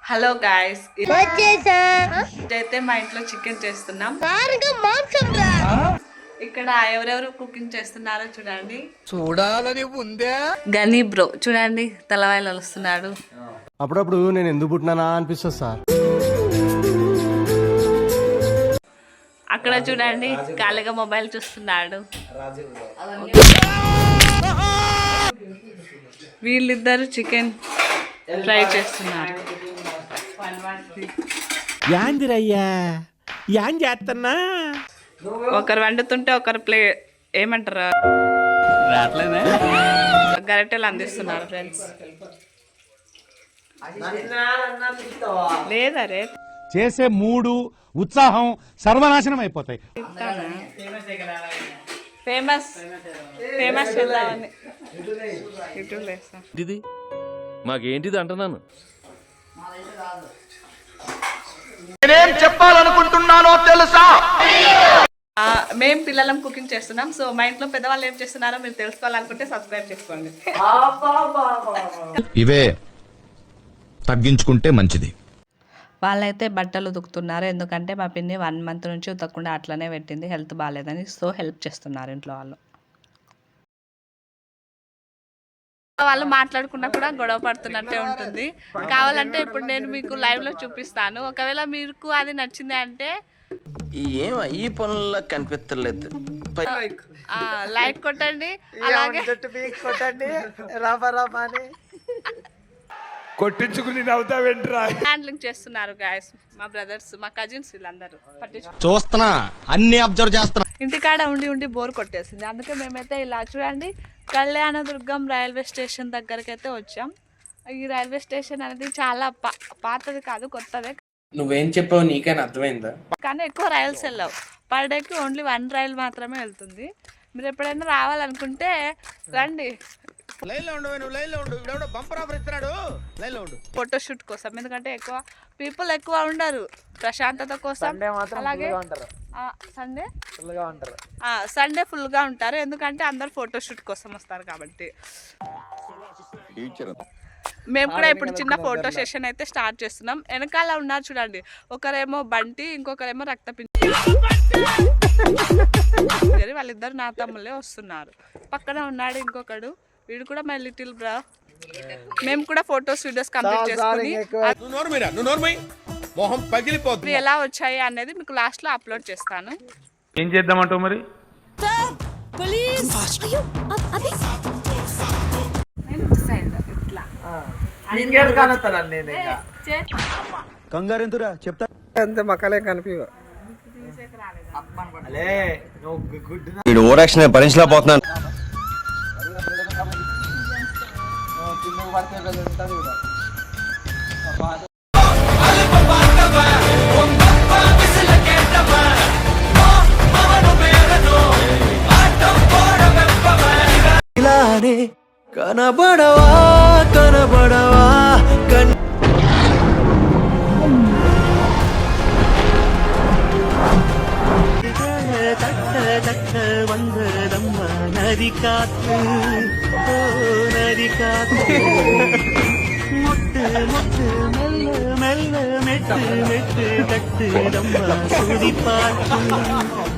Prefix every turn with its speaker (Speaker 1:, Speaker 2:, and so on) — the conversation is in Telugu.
Speaker 1: హలో గాయ్స్, ఇదైతే మా ఇంట్లో చికెన్ చేస్తున్నాం. ఇక్కడ ఎవరెవరు కుకింగ్ చేస్తున్నారో చూడండి.
Speaker 2: చూడాలని ఉందే.
Speaker 1: గనీ బ్రో చూడండి, తలవాయిలు వస్తున్నాడు.
Speaker 3: అప్పుడప్పుడు నేను ఎందుకు పుట్టినానా అనిపిస్తుంది సార్.
Speaker 1: అక్కడ చూడండి, ఖాళీగా మొబైల్ చూస్తున్నాడు. వీళ్ళిద్దరు చికెన్ ఫ్రై చేస్తున్నారు.
Speaker 2: యాందిరయ్యా యాం చేస్తున్నా.
Speaker 1: ఒకరు వండుతుంటే ఒకరు ఏమంటారు గరిటెలు అందిస్తున్నారు ఫ్రెండ్స్. లేదరే
Speaker 4: చేసే మూడు ఉత్సాహం సర్వనాశనం అయిపోతాయి.
Speaker 1: ఫేమస్ ఫేమస్ చేద్దామని
Speaker 5: ఇది మాకేంటిది అంటున్నాను.
Speaker 2: నేనేం చెప్పాలనుకుంటున్నానో తెలుసా?
Speaker 1: మేము పిల్లలం కుకింగ్ చేస్తున్నాం. సో మా ఇంట్లో పెద్దవాళ్ళు ఏం చేస్తున్నారో మీరు తెలుసుకోవాలనుకుంటే సబ్స్క్రైబ్ చేసుకోండి.
Speaker 6: ఇవే తగ్గించుకుంటే మంచిది.
Speaker 1: వాళ్ళైతే బట్టలు ఉతుకుతున్నారు, ఎందుకంటే మా పిన్ని 1 month నుంచి ఉతకకుండా అట్లనే పెట్టింది, హెల్త్ బాగాలేదని. సో హెల్ప్ చేస్తున్నారు ఇంట్లో వాళ్ళు మాట్లాడుకున్నా కూడా గొడవ పడుతున్నట్టే ఉంటుంది. కావాలంటే ఇప్పుడు నేను మీకు లైవ్ లో చూపిస్తాను. ఒకవేళ మీకు అది నచ్చింది అంటే
Speaker 5: ఈ పనుల్లో కనిపించలేదు,
Speaker 1: లైక్ కొట్టండి, అలాగే
Speaker 2: కొట్టండి. కొట్టించుకుని నవ్వుతావేంట్రా?
Speaker 1: హ్యాండ్లింగ్ చేస్తున్నారు గాయస్, మా బ్రదర్స్, మా కజిన్స్, వీళ్ళందరూ
Speaker 6: చూస్తున్నా, అన్ని అబ్జర్వ్ చేస్తున్నా.
Speaker 1: ఇంటికాడ ఉండి ఉండి బోర్ కొట్టేసింది. అందుకే మేమైతే ఇలా చూడండి, కళ్యాణదుర్గం రైల్వే స్టేషన్ దగ్గరికి అయితే వచ్చాం. ఈ రైల్వే స్టేషన్ అనేది చాలా పాతది కాదు, కొత్తదే.
Speaker 7: నువ్వేం చెప్పావు నీకైనా అర్థమైందా?
Speaker 1: కానీ ఎక్కువ రైల్స్ వెళ్ళవు. పర్ డేకి ఓన్లీ 1 రైల్ మాత్రమే వెళ్తుంది. మీరు ఎప్పుడైనా రావాలనుకుంటే రండి. ఫోటోషూట్ కోసం, ఎందుకంటే ఎక్కువ పీపుల్ ఎక్కువ ఉండరు, ప్రశాంతత కోసం. అలాగే సండే ఫుల్ గా ఉంటారు, ఎందుకంటే అందరు ఫోటోషూట్ కోసం వస్తారు కాబట్టి. మేము కూడా ఇప్పుడు చిన్న ఫోటో సెషన్ అయితే స్టార్ట్ చేస్తున్నాం. వెనకాల ఉన్నారు చూడండి, ఒకరేమో బంటి, ఇంకొకరేమో రక్తపిండి. వాళ్ళిద్దరు నా తమ్ముళ్ళే వస్తున్నారు. పక్కన ఉన్నాడు ఇంకొకడు, వీడు కూడా మై లిటిల్ బ్రా. మేము కూడా ఫొటోస్ వీడియోస్ కంప్లీట్ చేసుకుని ఎలా వచ్చాయి అనేది మీకు లాస్ట్ లో అప్లోడ్ చేస్తాను.
Speaker 4: ఏం చేద్దామంటావు మరి?
Speaker 3: కంగారు ఎంతురా చెప్తా.
Speaker 2: అంతే మక్కలే కనిపి
Speaker 6: ఓవరాక్షన్ భరించలేకపోతున్నాను.
Speaker 2: ఇలానే కనబడవా కనబడవా వందరమ్మ నది కాத்து నది కాத்து ముట్టు ముట్టు మెల్ల మెల్ల మెట్టు మెట్టు కట్టు రమ్మ సుడి పాటు